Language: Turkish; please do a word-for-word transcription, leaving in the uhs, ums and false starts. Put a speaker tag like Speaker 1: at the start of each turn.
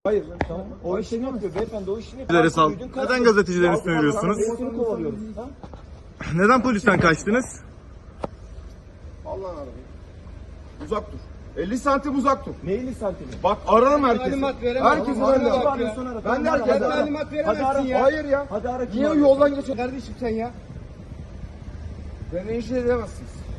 Speaker 1: Hayır, tamam. O işini yapıyor beyefendi, o işini
Speaker 2: Sizlere
Speaker 1: yapıyor.
Speaker 2: sal. Neden gazetecilerin üstüne yürüyorsunuz?
Speaker 1: Seni kovalıyoruz. Ha?
Speaker 2: Neden polisten kaçtınız?
Speaker 3: Allah'ın arabayı. Uzak dur. elli santim uzak dur.
Speaker 1: Ne elli santimi?
Speaker 3: Bak ararım herkesi.
Speaker 4: Talimat veremem.
Speaker 3: Herkesi
Speaker 4: Tamam,
Speaker 3: ben de
Speaker 4: bak
Speaker 3: ararım.
Speaker 4: ya.
Speaker 3: Ben de
Speaker 1: Hadi
Speaker 3: herkese
Speaker 1: ara.
Speaker 3: ararım.
Speaker 4: Talimat
Speaker 1: Hadi ara.
Speaker 4: veremezsin ya.
Speaker 3: Hayır ya.
Speaker 1: Hadi ara.
Speaker 3: Niye yoldan geçiyorsun?
Speaker 4: Kardeşim sen ya.
Speaker 3: Beni rencide edemezsiniz.